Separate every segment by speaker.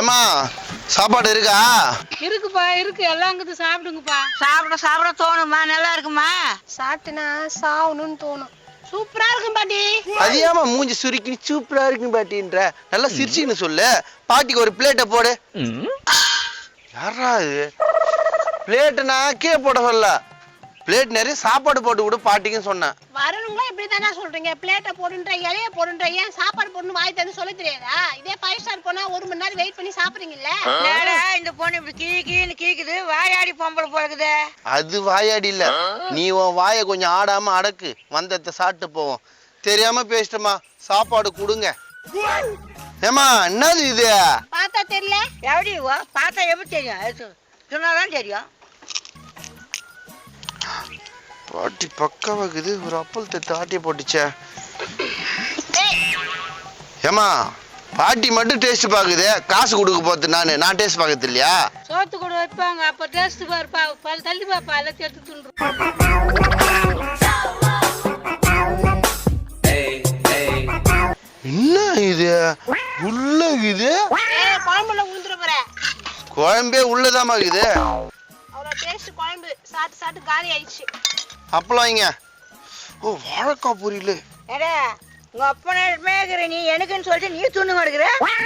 Speaker 1: ஏமா சாப்பாடு இருக்கா?
Speaker 2: இருக்குப்பா, இருக்கு. எல்லாம் அங்கிட்டு சாப்பிடுங்கப்பா.
Speaker 3: சாப்பிட சாப்பிட தோணுமா? நல்லா இருக்குமா?
Speaker 2: சாப்பிட்டுனா சாவணும்னு தோணும். சூப்பரா இருக்கும் பாட்டி.
Speaker 1: அது ஏமா மூஞ்சி சுருக்கி சூப்பரா இருக்குன்னு பாட்டின்ற? நல்லா சிரிச்சின்னு சொல்லு. பாட்டிக்கு ஒரு பிளேட்டை போடு. யாரா இது? பிளேட்டுனா கீழே போட சொல்ல, பிளேட் நிறைய சாப்பாடு போட்டு விடு பாட்டிக்குன்னு சொன்னேன்.
Speaker 2: வரணுங்களா இப்படி தானே சொல்றீங்க? பிளேட்டை போடுன்ற, இலைய போடுன்ற, ஏன் சாப்பாடு போடணும் வாய் தந்து சொல்ல தெரியாதா? இதே 5 ஸ்டார் போனா 1 மணி நேரம் வெயிட் பண்ணி சாப்பிடுறீங்கல்ல.
Speaker 3: இந்த பொண்ணு இப்படி கீன்னு கீக்குது, வாயாடி பொம்பளை போகுது.
Speaker 1: அது வாயாடி இல்ல, நீ உன் வாயை கொஞ்சம் ஆடாம அடக்கு. வந்தத்தை சாப்பிட்டு போவோம். தெரியாம பேசிட்டமா, சாப்பாடு கொடுங்க. ஏமா என்னது இது?
Speaker 2: பார்த்தா தெரியல.
Speaker 3: எப்படி பார்த்தா எப்படி தெரியும்? சொன்னாதான் தெரியும்.
Speaker 1: பாட்டி பக்காவாக்குது. ஒரு அப்பல் தட்டு ஆட்டிய போட்டுச்சே. ஏமா பாட்டி மட்டும் டேஸ்ட் பாக்குது, காசு கொடுக்க போறது நான் டேஸ்ட் பாக்குறது இல்லையா?
Speaker 2: சோத்து கூட வைப்பாங்க, அப்ப டேஸ்ட் பாருப்பா. தள்ளி பாப்பா, எல்லாத்தையும் எடுத்து துண்டுரும்.
Speaker 1: என்ன இது உள்ள இது?
Speaker 2: குழம்புல ஊந்துட போற.
Speaker 1: குழம்பே உள்ளதாமா இருக்குது.
Speaker 2: அவ்வளோ டேஸ்ட் குழம்பு. சாப்பிட்டு சாப்பிட்டு காலி ஆயிடுச்சு.
Speaker 1: அப்பளம் வைங்க. ஓ வாழைக்காய் பொரியல்.
Speaker 3: ஏடா உங்க அப்பனே இருக்கிற, நீ எனக்குன்னு சொல்லிட்டு நீ துண்ணு கொடுக்குற.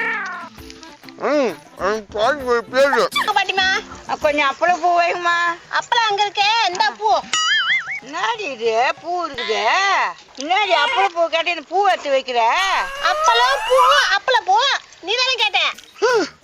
Speaker 2: பாட்டிமா
Speaker 3: கொஞ்சம் அப்பளம் பூ வைக்குமா?
Speaker 2: அப்பளம் அங்க இருக்கே, இந்த பூ.
Speaker 3: என்னடி இது பூ இருக்குது? என்னடி அப்பளம் பூ கேட்டு இந்த பூ எடுத்து வைக்கிற?
Speaker 2: அப்பளம் பூ, அப்பளம் பூ. நீ தானே கேட்டேன்.